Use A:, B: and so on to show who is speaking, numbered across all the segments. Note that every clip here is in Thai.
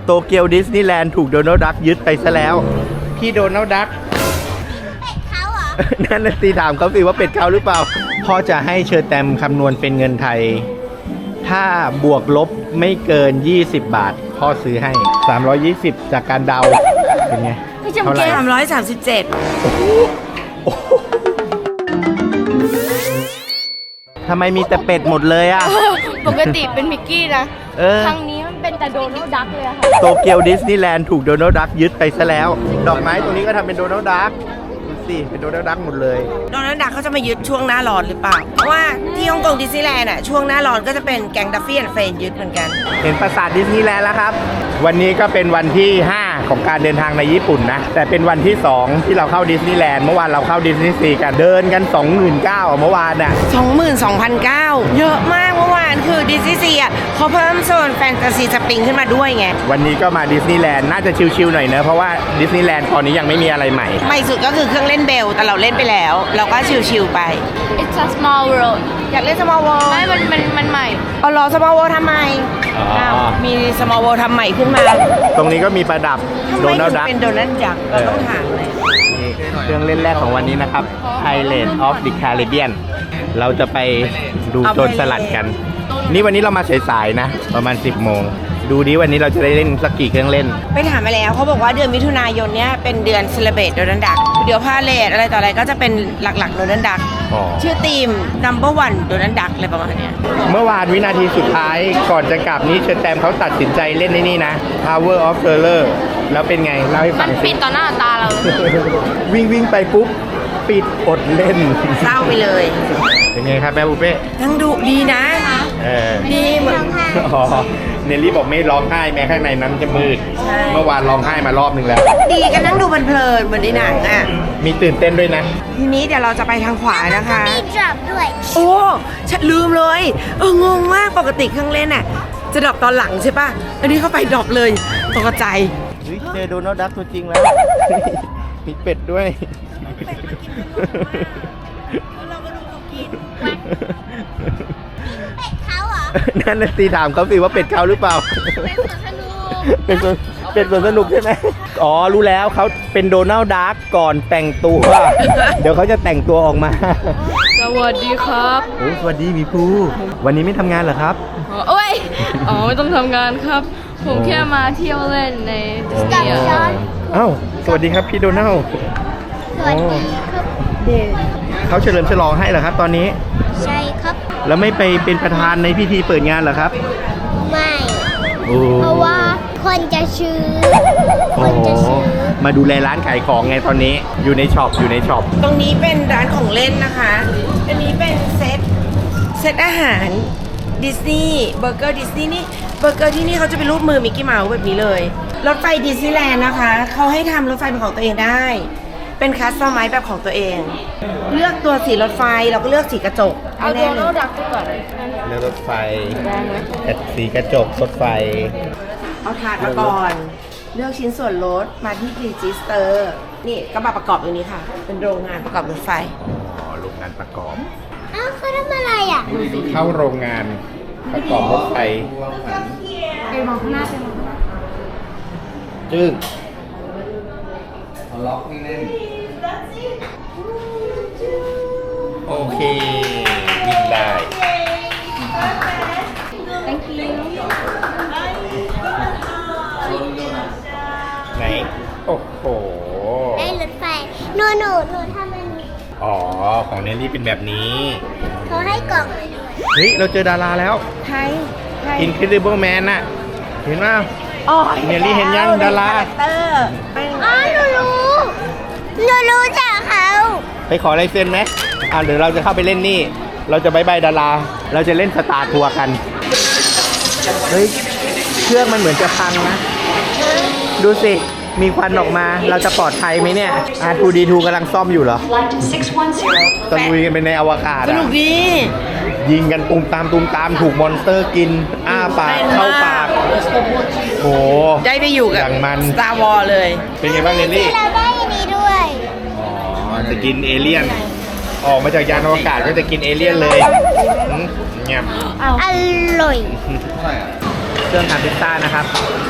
A: โตเกียวดิสนีย์แลนด์ถูกโดนัลด์ดักยึดไปซะแล้วพี่โดนัลด์ดักเขาเหรอ นั่นสิถามเขาสิว่าเป็ดเขาหรือเปล่าพ่อจะให้เชอร์แตมคำนวณเป็นเงินไทยถ้าบวกลบไม่เกิน20 บาทพ่อซื้อให้320จากการเดาเป็นไง
B: เท่าไหร่337
A: ทำไมมีแต่เป็ดหมดเลยอ่ะ
B: ปกติเป็นมิกกี้นะครั้งนี้มันเป็นแต่โดนัลด์ดักเลยค่ะ
A: โตเกียวดิสนีย์แลนด์ถูกโดนัลด์ดักยึดไปซะแล้วดอกไม้ตรงนี้ก็ทำเป็นโดนัลด์ดักดูสิเป็นโดนัลด์ดักหมดเลย
C: โดนัลด์ดักเขาจะมายึดช่วงหน้าร้อนหรือเปล่าเพราะว่าที่ฮ่องกงดิสนีย์แลนด์อ่ะช่วงหน้าร้อนก็จะเป็นแก๊งดัฟฟี่แอนด์เฟรนด์ยึดเหมือนกัน
A: เห็นปราสาทดิสนีย์แลนด์แล้วครับวันนี้ก็เป็นวันที่5ของการเดินทางในญี่ปุ่นนะแต่เป็นวันที่2ที่เราเข้าดิสนีย์แลนด์เมื่อวานเราเข้าดิสนีย์ซีกันเดินกัน 29,000 เมื่อวานน่ะ
C: 22,900 เยอะมากเมื่อวานคือดิสนีย์ซีอ่ะเขาเพิ่มโซนแฟนตาซีสปริงขึ้นมาด้วยไง
A: วันนี้ก็มาดิสนีย์แลนด์น่าจะชิลๆหน่อยเนอะเพราะว่าดิสนีย์แลนด์ตอนนี้ยังไม่มีอะไรใหม่
C: ใหม่สุดก็คือเครื่องเล่นเบลแต่เราเล่นไปแล้วเราก็ชิลๆไป
B: It's a small world
C: อยากเล่น small world
B: ไม่มันใหม่
C: เอาล้อ small world ทำไมมี small world ทำใหม่ขึ้นมา
A: ตรงนี้ก็มีประดับโดนัลด์ดัก
C: เป็นโดนัลด์ดักเราต้องถามเลย
A: เครื่องเล่นแรกของวันนี้นะครับ Pirates of the Caribbean เราจะไปดูโจรสลัดกันนี่วันนี้เรามาสายๆนะประมาณ 10 โมงดูดิวันนี้เราจะได้เล่นสักกี่เครื่องเล่น
C: ไปถามมาแล้วเขาบอกว่าเดือนมิถุนายนเนี้ยเป็นเดือนเซเลบรตโดนัลด์ดักเดี๋ยวพาเลทอะไรต่ออะไรก็จะเป็นหลักๆโดนัลด์ดักชื่อทีม number 1โดนัลด์ดักอะไรประมาณนี้
A: เมื่อวานวินาทีสุดท้ายก่อนจะกลับนี้เชอร์แตมเขาตัดสินใจเล่นในนี่นะ Tower of Terror แล้วเป็นไงเล่าให้ฟัง
B: มันปิดต่อหน้าตาเรา
A: วิ่งไปปุ๊บปิดอดเล่น
C: เศร้าไปเลย
A: เป็นไงครับแม่บุเป้
C: ทั้งดุดีนะ
A: ดีเหมือนเนลลี่บอกไม่ร้องไห้แม้ข้างในนั้นจะมืดเมื่อวานร้องไห้มารอบนึงแล้ว
C: ดีกันนั่งดูเพลินเหมือนในหนังอ่ะ
A: มีตื่นเต้นด้วยนะ
C: ทีนี้เดี๋ยวเราจะไปทางขวานะคะ
B: มีดรอปด้วย
C: โอ้ฉันลืมเลยงงมากปกติเครื่องเล่นอ่ะจะดรอปตอนหลังใช่ป่ะอันนี้เข้าไปดรอปเลยตกใจ
A: เจอโดนัลด์ดักตัวจริงแล้วมีเป็ดด้วย
C: เราก็ดูเขากิน
B: เขาเหรอ
A: นั่นสิถามเขาสิว่าเป็ดเขาหรือเปล่าเป็นสวนสนุกใช่ไหมอ๋อรู้แล้วเขาเป็นโดนัลด์ดักก่อนแต่งตัวเดี๋ยวเขาจะแต่งตัวออกมา
B: สวัสดีครับ
A: โอ้สวัสดีมีภูวันนี้ไม่ทำงานเหรอครับ
B: โอ้ยไม่ต้องทำงานครับผมแค่มาเที่ยวเล่นในดิสนีย์
A: อ้าวสวัสดีครับพี่โดนัลด์
B: สวัสดีครับ
A: เขาเฉลิมฉลองให้เหรอครับตอนนี้
B: ใช่ครับ
A: แล้วไม่ไปเป็นประธานในพิธีเปิดงานเหรอครับ
B: ไม่เพราะว่าคนจะซื้อ
A: มาดูแลร้านขายของไงตอนนี้อยู่ในช็อป
C: ตรงนี้เป็นร้านของเล่นนะคะอันนี้เป็นเซตอาหารดิสนีย์เบอร์เกอร์ดิสนีย์นี่เบอร์เกอร์ที่นี่เขาจะเป็นรูปมือมิกกี้เมาส์แบบนี้เลยรถไฟดิสนีย์แลนด์นะคะเขาให้ทำรถไฟเป็นของตัวเองได้เป็นคัสตอมไมซ์แบบของตัวเองเลือกตัวสีรถไฟเราก็เลือกสีกระจก
B: เอาโดนัลด์ดักก่อน
A: เลือกรถไฟสีกระจกรถไฟ
C: เอาถาดมาก่อนเลือกชิ้นส่วนรถมาที่รีจิสเตอร์นี่ก็มาประกอบตรงนี้ค่ะเป็นโรงงานประกอบรถไฟ
A: โรงงานประกอบ
B: เขาทำอะไรอ่ะ
A: เข้าโรงงานประกอบรถไฟ
B: ไปมองข้างหน้าไปมอง
A: จึ้ง
D: ล็อกนี่แน่น
A: โอเควิ่งได้
B: Thank you
A: ไหนโอ้โห
B: ได้รถไฟหนูทำอันนี้
A: อ๋อของเนลลี่เป็นแบบนี้
B: เขาให้กล่อง
A: เฮ้ยเราเจอดาราแล้ว
C: ใคร
A: Incredible Man น่ะเห็นไหมเนลลี่เห็นยังดารา
B: หนูรู้จักเขา
A: ไปขอลายเซ็นไหมเดี๋ยวเราจะเข้าไปเล่นนี่เราจะบายบายดาราเราจะเล่นสตาร์ทัวร์กันเฮ้ยเครื่องมันเหมือนจะพังนะดูสิมีควันออกมาเราจะปลอดภัยไหมเนี่ยR2D2 กำลังซ่อมอยู่เหรอตะลุยกันไปในอวกาศ
C: สนุกดี
A: ยิงกันตูมตามถูกมอนสเตอร์กินปากเข้าปากโห
C: ได้ไปอยู่กับStar Wars เลย
A: เป็นไงบ้างเนลลี่
B: เราได้อันนี้ด้วย
A: จะกินเอเลี่ยนออกมาจากยานอวกาศก็จะกินเอเลี่ยนเลยเงียบ
B: อร่อย
A: เครื่องทำพิซซ่านะครับ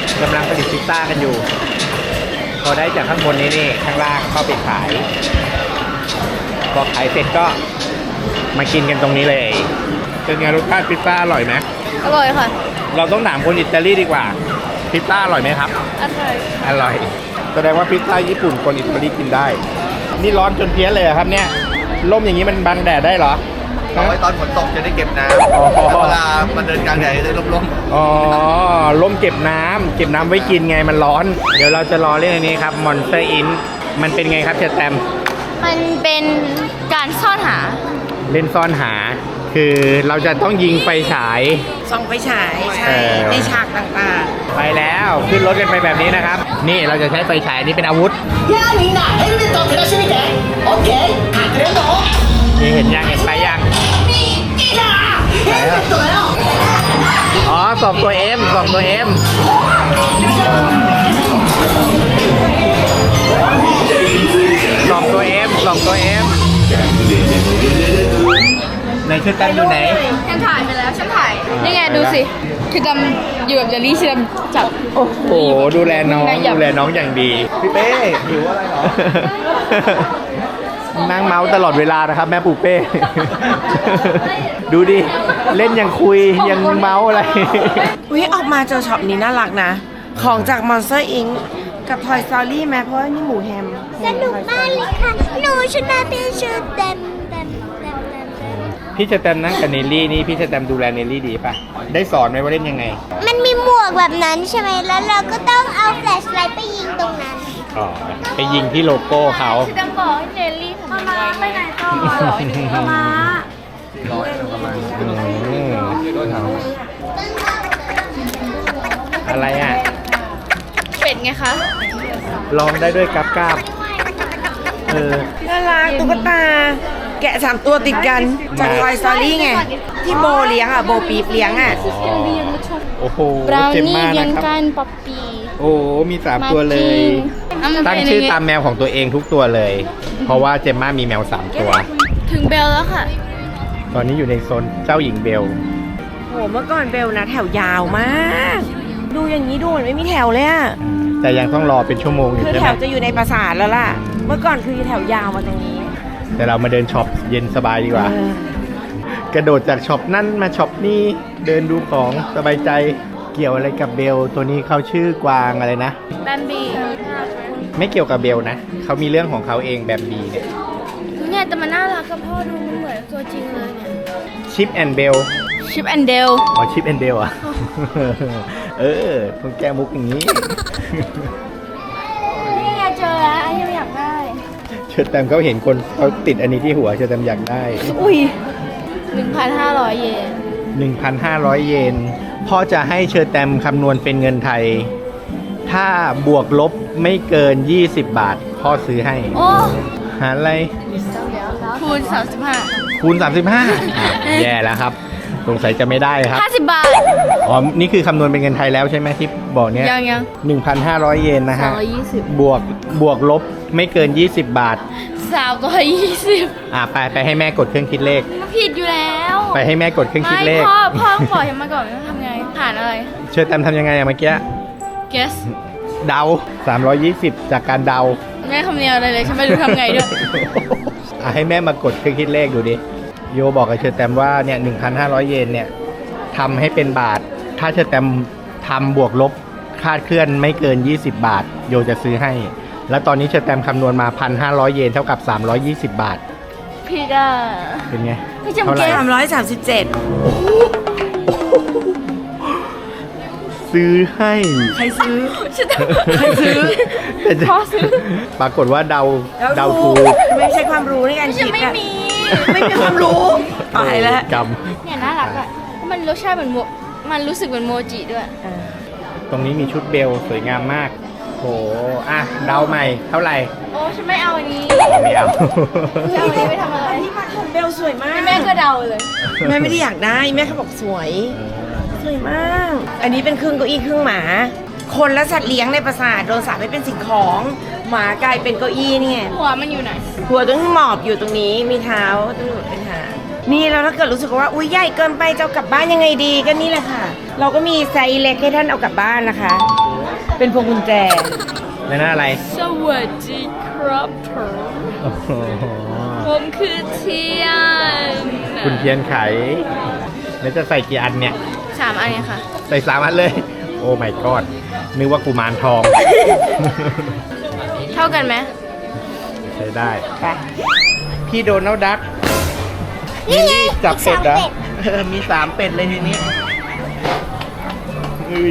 A: กำลังผลิตพิซซ่ากันอยู่ พอได้จากข้างบนนี้นี่ข้างล่างเข้าไปขาย พอขายเสร็จก็มากินกันตรงนี้เลยเป็นไงรสชาติพิซซ่าอร่อยไหม
B: อร่อยค่ะ
A: เราต้องถามคนอิตาลีดีกว่าพิซซ่าอร่อยไหมครับ
B: อร่อย
A: อร่อยแสดงว่าพิซซ่าญี่ปุ่นคนอิตาลีกินได้ นี่ร้อนจนเพี้ยนเลยเหรอครับเนี่ยร่มอย่างนี้มันบังแดดได้เหรอ
D: เอาไว้ตอนฝนตกจะได้เก็บน้ำ
A: อ๋อ
D: แต่เวลามันเดินกลางแดดจะได้ร่ม
A: อ๋อร่มเก็บน้ำไว้กินไงมันร้อน เดี๋ยวเราจะรอเรื่องอันนี้ครับ Monster Inc มันเป็นไงครับเชตแตม
B: มันเป็นการซ่อนหา
A: เล่นซ่อนหา คือเราจะต้องยิงไฟฉาย
C: ส่องไฟฉายใช่
A: เออ
C: ในฉากต่าง
A: ไปแล้วขึ้นรถกันไปแบบนี้นะครับ นี่เราจะใช้ไฟฉายนี้เป็นอาวุธ
E: やあみんなヘルメットを照らしてみてオッケー隠れんぼ
A: นี่เห็นยังเห็นไปยัง
E: いいなヘルメットだよ
A: อ๋อส่องตัว M ส่องตัว M ส่องตัว M ส่องตัว M ไหนชุดแตมอยู่ไหน
B: ฉันถ่ายไปแล้ว ฉันถ่าย นี่ไงดูสิ คือดำอยู่กับเจลลี่ชิดำจับ
A: โอ้โหดูแลน้อง
B: นายหยับ
A: ดูแลน้องอย่างดี
D: พี่เป้หิวอะไรเหรอ
A: นั่งเมาส์ตลอดเวลานะครับแม่ปูเป้ ดูดิ เล่นยังคุยยังเมาส์อะไร
C: ๆอุ้ยออกมาเจอช็อปนี้น่ารักนะ ของจาก Monster Inc กับ Toy Story แม้เพราะว่านี่หมูแฮม
F: สนุกมากเลยค่ะ หนูชนะเป็นชุดเต็ม
A: พี่จะแตมนั่งกับเนลลี่นี่พี่จะแตมดูแลเนลลี่ดีป่ะ ได้สอนไหมว่าเล่นยังไง
F: มันมีหมวกแบบนั้นใช่ไหม แล้วเราก็ต้องเอาแฟลชไลท์ไปยิงตรงนั้น
A: อ๋อ ไปยิงที่โลโก้เขา
B: ชิดำบอกให้เจลลี่ทำยังไงไปไหนต่อหรอหนูมา
A: อืมอะไรอ่ะ
B: เป็ดไงคะ
A: ลองได้ด้วยกับกาบเออ
C: น่ารักตุ๊กตา แกะ3 ตัวติดกันจาก Toy Story ไง ที่โบเลี้ยงอ่ะ โบปีบเลี้ยงอ่ะ
A: โอ้โห
B: บราว
A: เจ็บ
B: นี่
A: มาก
B: ยั
A: นะ
B: ง
A: ครับ
B: กันป๊อปปี้
A: โอ้โหมี3ตัวเลย ตั้งชื่อตามแมวของตัวเองทุกตัวเลย เพราะว่าเจมม่ามีแมว3ตัว
B: ถึงเบลแล้วค่ะ
A: ตอนนี้อยู่ในโซนเจ้าหญิงเบล
C: โห เมื่อก่อนเบลนะแถวยาวมาก ดูอย่างนี้ดูเหมือนไม่มีแถวเลยอ่ะ
A: แต่ยังต้องรอเป็นชั่วโมงอยู่
C: คือ
A: ใช่
C: แถ
A: ไหม
C: วจะอยู่ในปราสาทแล้วล่ะ เมื่อก่อนคือแถวยาวมาตรงนี้
A: แต่เรามาเดินช็อปเย็นสบายดีกว่า
C: เออ
A: กระโดดจากช็อปนั่นมาช็อปนี่เดินดูของสบายใจเกี่ยวอะไรกับเบล ตัวนี้เขาชื่อกวางอะไรนะ
B: แบมบี้
A: ไม่เกี่ยวกับเบลนะ เขามีเรื่องของเขาเองแบบบีเนี่ย
B: เนี่ยแต่มันน่ารักกับพ่อดูมันเหมือนตัวจริงเลยเนี่ย
A: ชิปแอนเบล
B: ชิปแอนเดล
A: อ๋อชิปแอนเบลอ่ะ เออต้องแก้มุกอย่างนี้
B: นี่ไงเจอแล้วอันนี้อยากได้
A: เชิญแตมเขาเห็นคนเขาติดอันนี้ที่หัวเชิญแตมอยากได้
B: อุ้ย 1,500 เยน
A: 1,500 เยน พ่อจะให้เชิญแตมคำนวณเป็นเงินไทย ถ้าบวกลบไม่เกิน 20 บาท พ่อซื้อให้
B: โอ้
A: หารอะไร
B: คูณ35
A: คูณ 35 แย่แล้วครับ สงสัยจะไม่ได้ครับ
B: 50 บาท
A: อ๋อ นี่คือคำนวณเป็นเงินไทยแล้วใช่ไหมที่บอกเนี้ย
B: ยัง
A: 1,500 เยนนะฮะ
B: 220
A: บวกลบไม่เกิน 20 บาท
B: 320
A: ไปให้แม่กดเครื่องคิดเลข
B: มันผิดอยู่แล้ว
A: ไปให้แม่กดเครื่องคิดเลข
B: ไม่พ่อบอกให้มาก่อนว่าทำไงผ่านอะไร
A: เชิญแตมทำยังไงอะเมื่อกี้
B: guess
A: เดา 320 จากการเดา
B: แม่คำเนียอะไรเลยฉันไม่รู้ทำไงด้วย
A: ให้แม่มากดเครื่องคิดเลขดูดิ โยบอกกับเชิญแตมว่าเนี่ย 1,500 เยนเนี่ยทำให้เป็นบาท ถ้าเชิญแตมทำบวกลบคลาดเคลื่อนไม่เกิน 20 บาท โยจะซื้อให้ แล้วตอนนี้เชิญแตมคำนวณมา 1,500 เยนเท่ากับ 320 บาท
B: ผิดอ่ะ
A: เป็นไง
B: ไม่จำ
A: เท่าไหร่
C: 337
A: ซื้อให้
C: ใครซื้อ
A: ใครซื้อ
B: พ่อซื้อ
A: ปรากฏว่าเดาถูก
C: ไม่ใช่ความรู้ในการ
B: ฉั
C: คิ
B: น
C: ด
B: ไม่
C: อะ
B: มี
C: ไม่มีความรู้ตายแล้ว
A: กรรม
B: เนี่ยน่ารักอ่ะเพราะมันรสชาติเหมือนมันรู้สึกเหมือนโมจิด้วย
A: ตรงนี้มีชุดเบลสวยงามมากโหอ่ะเดาใหม่เท่าไหร่
B: โอ้ฉันไม่เอาอันนี้
A: ไม่เอา
B: จะเอาอันนี้ไปทำอะไร
C: ที่มันของเบลสวยมาก
B: แม่ก็เดาเลย
C: แม่ไม่ได้อยากได้ แม่เขาบอกสวย สวยมาก อันนี้เป็นครึ่งเก้าอี้ครึ่งหมา คนและสัตว์เลี้ยงในปราสาทโดนสาปให้เป็นสิ่งของ หมากลายเป็นเก้าอี้นี่ไง
B: หัวมันอยู่ไหน
C: หัวต้องหมอบอยู่ตรงนี้ มีเท้าต้องหลุดเป็นหางนี่แล้วถ้าเกิดรู้สึกว่าอุ้ยใหญ่เกินไปจะเอากลับบ้านยังไงดีก็นี่แหละค่ะ เราก็มีไซส์เล็กให้ท่านเอากลับบ้านนะคะเป็นพวงกุญแจ
A: แล้วนั่นอะไร
B: สวัสดีครับผม
A: โอ้โห
B: ผมคือเทียน
A: คุณเทียนไขแล้วจะใส่กี่อันเนี่ย
B: 3 อันเนี่ยค่ะ
A: ใส่3 อันเลย โอ้ my god นึกว่ากุมารทอง
B: เท่ากันไหม
A: ใช้ได้
C: ไป
A: พี่โดนัลด์ดัก
F: นี่ไง
A: จับเป็ดเหรอ
F: มี
A: มี 3 เป็ดเลยทีนี้อุ้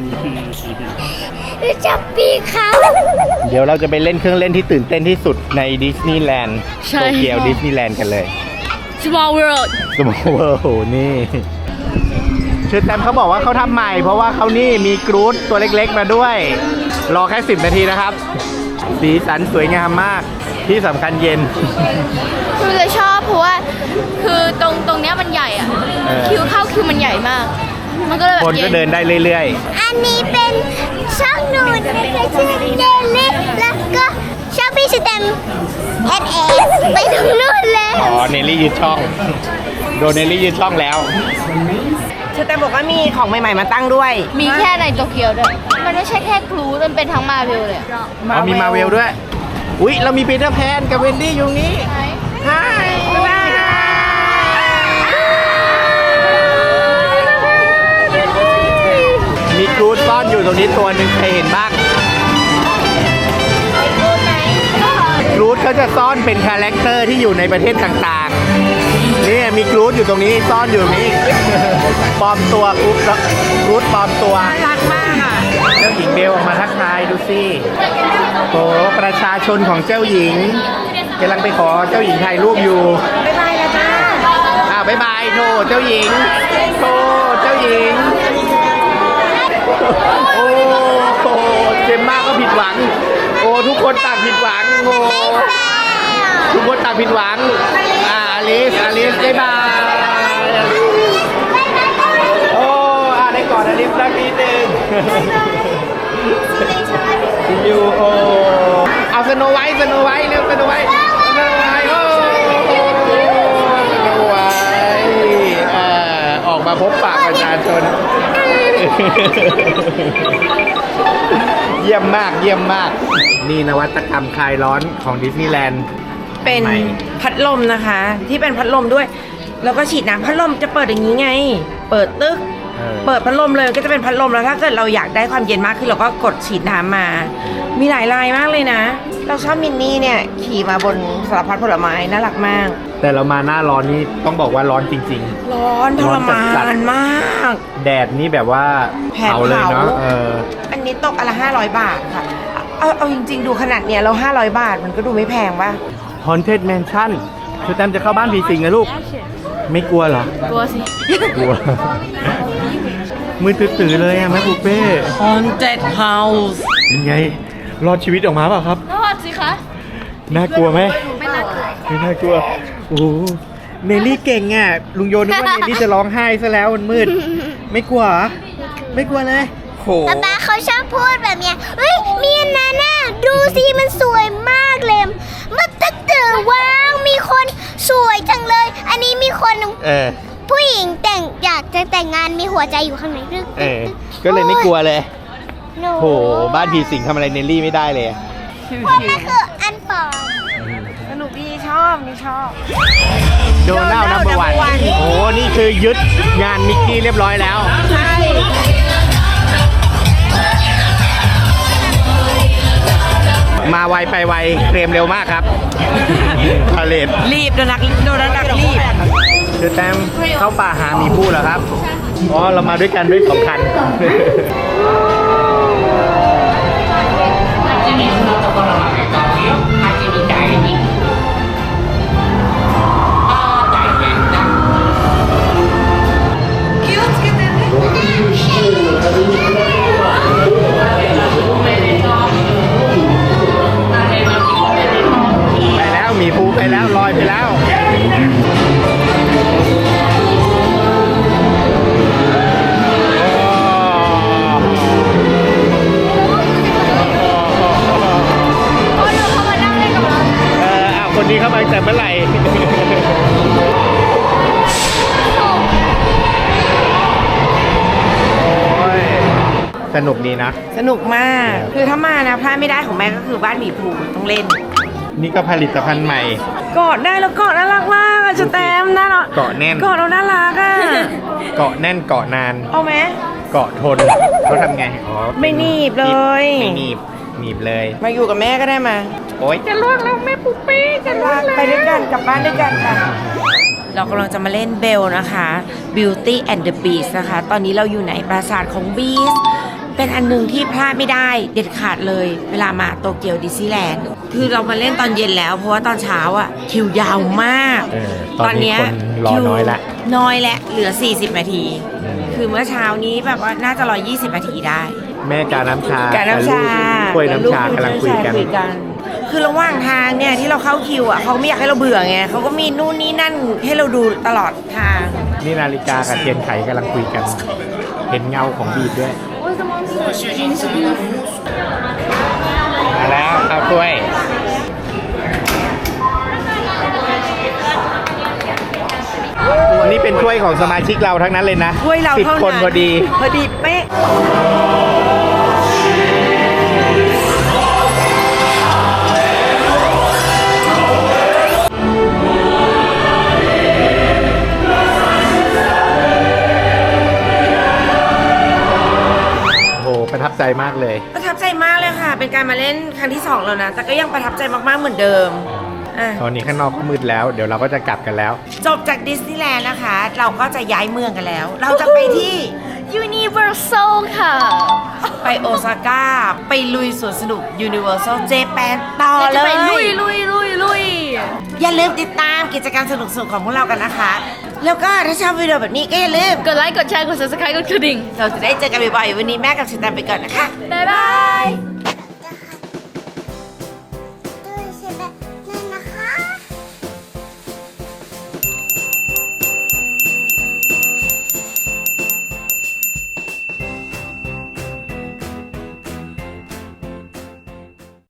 A: ย
F: จับปีกเขา
A: เดี๋ยวเราจะไปเล่นเครื่องเล่นที่ตื่นเต้นที่สุดในดิสนีย์แลนด์
B: ใช่
A: โตเกียวดิสนีย์แลนด์กันเลย
B: Small World
A: สมองเวอร์โหนี่เชิญแตมเขาบอกว่าเขาทำใหม่ เพราะว่าเขานี่มีกรูดตัวเล็กๆมาด้วย รอแค่10 นาทีนะครับ สีสันสวยงามมากที่สำคัญเย็น
B: คือจะชอบเพราะว่าคือตรงเนี้ยมันใหญ่อะ
A: เออ
B: คิวเข้าคิวมันใหญ่มาก มันก็เลยแบบ
A: คนก็เดินได้เรื่อย
F: อันนี้เป็นช่องหนูนะคะชื่อเดลิแล้วก็ช่องพี่สแตมSS ไปถึงนู่นเลย
A: ๆ อ๋อ เนลลี่ยืดช่อง โดนเนลลี่ยืดช่องแล้ว
C: เชอแตมบอกว่ามีของใหม่ๆมาตั้งด้วย
B: มีแค่ในโตเกียวด้วย มันไม่ใช่แค่ครูมันเป็นทั้งมาเวลเลยอะ
A: อ๋อมีมาเวลด้วย อุ๊ย เรามีปีเตอร์แพนกับเวนดี้อยู่นี้ฮายบ๊ายบายมีกรูดซ่อนอยู่ตรงนี้ตัวหนึ่งใครเห็นบ้าง กรูดเขาจะซ่อนเป็นคาแรคเตอร์ที่อยู่ในประเทศต่างๆ นี่มีกรูดอยู่ตรงนี้ซ่อนอยู่ตรงนี้ ปลอมตัวกรูดปลอมตัว
C: น่ารักมากอ่ะ
A: เจ้าหญิงเบลออกมาทักทายดูสิโอ้ประชาชนของเจ้าหญิงกำลังไปขอเจ้าหญิงถ่ายรูปอยู่
C: บ๊ายบายนะจ้า
A: บ๊ายบายโทเจ้าหญิงโทเจ้าหญิง โอ้โหเจมมาก็ผิดหวัง โอ้ทุกคนต่างผิดหวังโอ้ทุกคนต่างผิดหวังอลิสบ๊ายบายโอ้ได้ก่อนอลิสสักนิดนึงอยู่โอ้เอาสโนไวท์เร็วสโนไวท์โอ้สโนไวท์ออกมาพบปะประชาชน เยี่ยมมากนี่นวัตกรรมคลายร้อนของดิสนีย์แลนด์
C: เป็น
A: ใหม่
C: พัดลมนะคะ ที่เป็นพัดลมด้วย แล้วก็ฉีดน้ำพัดลมจะเปิดอย่างนี้ไง เปิดตึก เปิดพัดลมเลยก็จะเป็นพัดลมแล้วถ้าเกิดเราอยากได้ความเย็นมากขึ้นเราก็กดฉีดน้ำมา มีหลายลายมากเลยนะ เราชอบมินนี่เนี่ยขี่มาบนสารพัดผลไม้น่ารักมาก
A: แต่เรามาหน้าร้อนนี่ต้องบอกว่าร้อนจริง
C: ร้อนทรมา
A: จัด
C: นมาก
A: ๆ แดดนี่แบบว่า
C: แผด
A: เผาเลยเนาะ
C: เผา อันนี้ตกอันละ500 บาทค่ะ เอาจริงๆดูขนาดเนี้ยเรา500 บาทมันก็ดูไม่แพงป่ะ
A: Haunted Mansion คือแตมจะเข้าบ้านผีสิงนะลูก ไม่กลัวเหรอ
B: กลัวสิ
A: กลัว มืดตื่นๆเลยอะแม่ปูเป้
C: Haunted House
A: ยังไง รอดชีวิตออกมาเปล่าครับ
B: รอดสิคะ
A: น่ากลัวไหม
B: ไม่น่ากลัว
A: ไม่น่ากลัว โอ้โหเนลลี่เก่งอ่ะ ลุงโยนึกว่าเนลลี่จะร้องไห้ซะแล้วมันมืด ไม่กลัวเหรอไม่กลัวเลยโห
F: ป๊าเขาชอบพูดแบบเนี้ยเฮ้ยมีอันนั้นน่ะดูสิมันสวยมากเลยมันตึกตื่นว้าวมีคนสวยจังเลย อันนี้มีคน ผู้หญิงแต่งอยากจะแต่งงานมีหัวใจอยู่ข้างในตึก
A: ก็เลยไม่กลัวเลย
F: หนู
A: โห บ้านผีสิงทำอะไรเนลลี่ไม่ได้เลย
F: พวกมันคืออันปลอม
C: สนุกดีชอบนี่ชอบ
A: โดนัลด์นัมเบอร์วัน
C: Donald No. 1
A: โอ้นี่คือยึดงานมิกกี้เรียบร้อยแล้ว
C: ใช่
A: มาไวไปไวเคลมเร็วมากครับพาเลท
C: รีบโดนัทดักรีบ
A: คือแต้มเข้าป่าหาหมีผู้เหรอครับ อ๋อ เรามาด้วยกันด้วย2 คัน ไปแล้วหมีภูไปแล้วลอยไปแล้ว คนนี้เข้ามาแต่เมื่อไหร่ โอ้ยสนุกดีนะ
C: สนุกมาก
A: ครับ
C: คือถ้ามานะพลาดไม่ได้ของแม่ก็คือบ้านหมีภูต้องเล่น
A: นี่ก็ผลิตภัณฑ์ใหม่
C: กอดได้แล้วกอดน่ารักมากอะจะแตมน่ารัก
A: เกาะแน่น
C: กอดเราน่ารักอะ
A: เกาะแน่นเกาะนาน
C: เอาไหม
A: เกาะทนเขาทำไงอ๋อ
C: ไม่หนีบเลย
A: ไม่หนีบหนีบเลย
C: มาอยู่กับแม่ก็ได้มา
A: โอ๊ย
C: จะล่วงแล้วแม่ปุ๊บปี้จะล่วงแล้วไปด้วยกันกลับบ้านด้วยกันค่ะ เรากำลังจะมาเล่นเบลนะคะ Beauty and the Beast นะคะ ตอนนี้เราอยู่ในปราสาทของ Beast เป็นอันหนึงที่พลาดไม่ได้เด็ดขาดเลย เวลามาโตเกียวดิสนีย์แลนด์ คือเรามาเล่นตอนเย็นแล้ว เพราะว่าตอนเช้าอ่ะคิวยาวมาก
A: ตอนนี้คนรอน้อยละ
C: น้อยและเหลือ 40 นาที คือเมื่อเช้านี้แบบว่าน่าจะ120 นาทีได้
A: แม่กาน้ำชา
C: การน้ำชา
A: กล้วยน้ำชากำลังคุยกัน
C: คือระหว่างทางเนี่ยที่เราเข้าคิวอ่ะเขาไม่อยากให้เราเบื่อไงเขาก็มีนู่นนี่นั่นให้เราดูตลอดทาง
A: นี่นาฬิกากับเทียนไขกำลังคุยกัน เห็นเงาของบีดด้วย มาแล้วข้าวกล้วย อันนี้เป็นถ้วยของสมาชิกเราทั้งนั้นเลยนะ
C: ถ้วยเรา
A: 10
C: เท่านั้น
A: คนพอดี
C: พอดีเป๊ะ
A: โอ้โหประทับใจมากเลย
C: ประทับใจมากเลยค่ะ เป็นการมาเล่นครั้งที่ 2 แล้วนะ แต่ก็ยังประทับใจมากๆเหมือนเดิมอ่ะ
A: ตอนนี้ข้างนอกก็มืดแล้ว เดี๋ยวเราก็จะกลับกันแล้ว
C: จบจากดิสนีย์แลนด์นะคะ เราก็จะย้ายเมืองกันแล้ว เราจะไปที่
B: Universal ค่ะ
C: ไปโอซาก้า ไปลุยสวนสนุก Universal Japan ต่อ
B: เรา
C: เล
B: จะไปลุ
C: ย
B: ยลุยลุยลุย
C: อย่าลืมติดตามกิจกรรมสนุกๆของพวกเรากันนะคะ แล้วก็ถ้าชอบวิดีโอแบบนี้ก็อย่าลืม
B: กดไลค์ กดแชร์ กด subscribe กดกระดิ่ง
C: เราจะได้เจอกันบ่อยๆ วันนี้แม่กับชิตันไปก่อนนะคะ
B: บ๊ายบาย